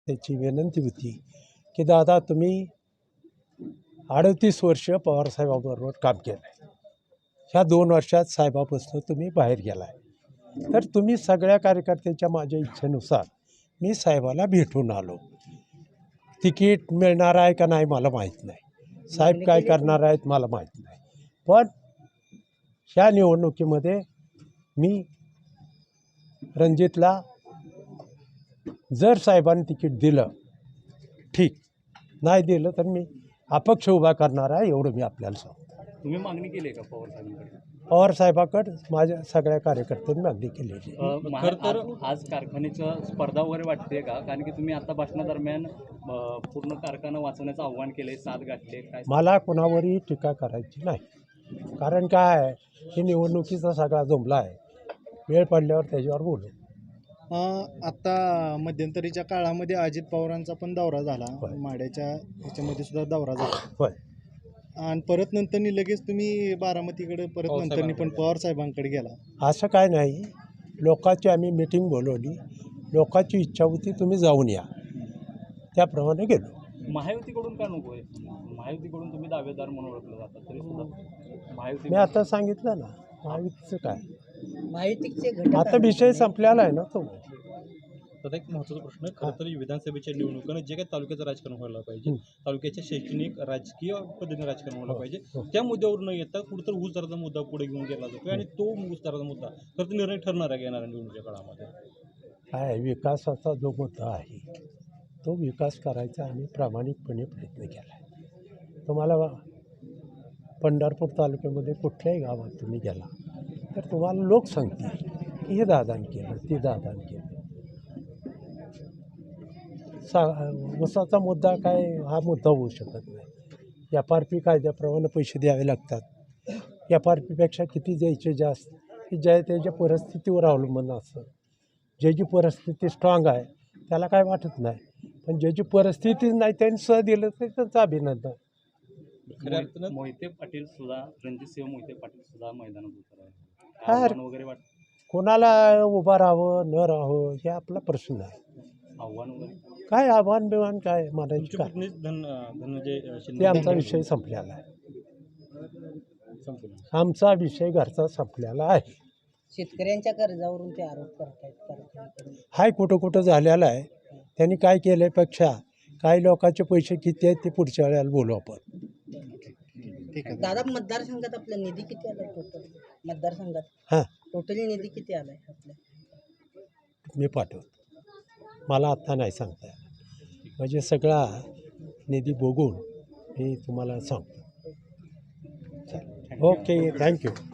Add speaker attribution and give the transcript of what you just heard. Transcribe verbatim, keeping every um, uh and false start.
Speaker 1: त्याची विनंती होती की दादा तुम्ही अडतीस वर्ष पवारसाहेबाबरोबर काम केलं आहे. ह्या दोन वर्षात साहेबापासून तुम्ही बाहेर गेला आहे, तर तुम्ही सगळ्या कार्यकर्त्यांच्या माझ्या इच्छेनुसार मी साहेबाला भेटून आलो. तिकीट मिळणार आहे का नाही मला माहीत नाही, साहेब काय करणार आहेत मला माहीत नाही, पण ह्या निवडणुकीमध्ये मी रणजितला जर साहेबांनी तिकीट दिलं ठीक, नाही दिलं तर मी अपक्ष उभा करणार आहे, एवढं मी आपल्याला सांगतो.
Speaker 2: तुम्ही मागणी केली आहे का पवार साहेबांकडे?
Speaker 1: पवार साहेबाकडे माझ्या सगळ्या कार्यकर्त्यांनी मागणी केलेली.
Speaker 2: खरं तर आज कारखान्याचं स्पर्धा वगैरे वाटते का? कारण की तुम्ही आता भाषणादरम्यान अ, पूर्ण कारखाना वाचवण्याचं आव्हान केले, साथ गाठले, काय
Speaker 1: मला कोणावरही टीका करायची नाही, कारण काय आहे, ही निवडणुकीचा सगळा जुमला आहे. वेळ पडल्यावर त्याच्यावर बोलू.
Speaker 3: आता मध्यंतरीच्या काळामध्ये अजित पवारांचा पण दौरा झाला,
Speaker 1: होय.
Speaker 3: माड्याच्या ह्याच्यामध्ये सुद्धा दौरा झाला,
Speaker 1: होय.
Speaker 3: आणि परत नंतरनी लगेच तुम्ही बारामतीकडे परत नंतरनी पण पवार साहेबांकडे गेला.
Speaker 1: असं काय नाही, लोकांची आम्ही मिटिंग बोलवली, लोकांची इच्छा होती तुम्ही जाऊन या, त्याप्रमाणे गेलो.
Speaker 2: महायुतीकडून का नको आहे? महायुतीकडून तुम्ही दावेदार म्हणून ओळखलं जातात तरी सुद्धा महायुती
Speaker 1: मी आता सांगितलं ना, महायुतीचं काय,
Speaker 4: महायुतीचे घटक
Speaker 1: आता विषय संपलेला आहे ना तो.
Speaker 5: तर एक महत्त्वाचा प्रश्न, खरं तर विधानसभेच्या निवडणुकीनं जे काही तालुक्याचं राजकारण व्हायला पाहिजे, तालुक्याच्या शैक्षणिक राजकीय पद्धतीने राजकारण व्हायला पाहिजे, त्या मुद्द्यावर न येता कुठंतरी ऊस दराचा मुद्दा पुढे घेऊन गेला जातो, आणि तो ऊस दराचा मुद्दा खरं तर निर्णय ठरणार आहे येणाऱ्या निवडणुकीच्या काळामध्ये.
Speaker 1: काय विकासाचा जो मुद्दा आहे तो विकास करायचा आम्ही प्रामाणिकपणे प्रयत्न केला आहे. तुम्हाला पंढरपूर तालुक्यामध्ये कुठल्याही गावात तुम्ही गेला तर तुम्हाला लोक सांगतील की हे दादान केलं, ते दादान केलं. सा ऊसाचा मुद्दा काय हा मुद्दा होऊ शकत नाही. एफ आर पी कायद्याप्रमाणे पैसे द्यावे लागतात. एफ आर पीपेक्षा किती द्यायचे जास्त की ज्या त्याच्या परिस्थितीवर अवलंबून असतं. ज्याची परिस्थिती स्ट्रॉंग आहे त्याला काय वाटत नाही, पण ज्याची परिस्थितीच नाही त्यांनी स दिलं तर त्यांचं अभिनंदन.
Speaker 5: खऱ्या अर्थानं
Speaker 2: मोहिते पाटील सुद्धा, रणजितसिंह मोहिते पाटील सुद्धा मैदानात उतर आहे,
Speaker 1: काय
Speaker 2: आव्हान वगैरे वाटतं?
Speaker 1: कोणाला उभं राहावं न राहावं हे आपला प्रश्न आहे.
Speaker 2: आव्हान वगैरे
Speaker 1: काय आव्हान बिव्हान काय म्हणायची
Speaker 5: तुमचे
Speaker 1: काय,
Speaker 5: पत्नी धन धनंजय
Speaker 1: ते
Speaker 5: शिंदे
Speaker 1: आमचा विषय संपलेला आहे.
Speaker 5: संपलं.
Speaker 1: आमचा विषय घरचा संपलेला आहे.
Speaker 4: शेतकऱ्यांच्या कर्जावरून ते आरोप करतायत कारखान्याकडून.
Speaker 1: हाय कुठं कुठं झालेला आहे. त्यांनी काय केल्यापेक्षा काही लोकांचे पैसे किती आहेत ते पुढच्या वेळेला बोलू आपण.
Speaker 3: ठीक आहे.
Speaker 4: दादा, मतदारसंघात आपला निधी किती आला टोटल? मतदारसंघात
Speaker 1: हां
Speaker 4: टोटल निधी किती आलाय आपल्या?
Speaker 1: मी पाठवतो, मला आत्ता नाही सांगता येणार, म्हणजे सगळा निधी बघून मी तुम्हाला सांगतो. Okay, thank you.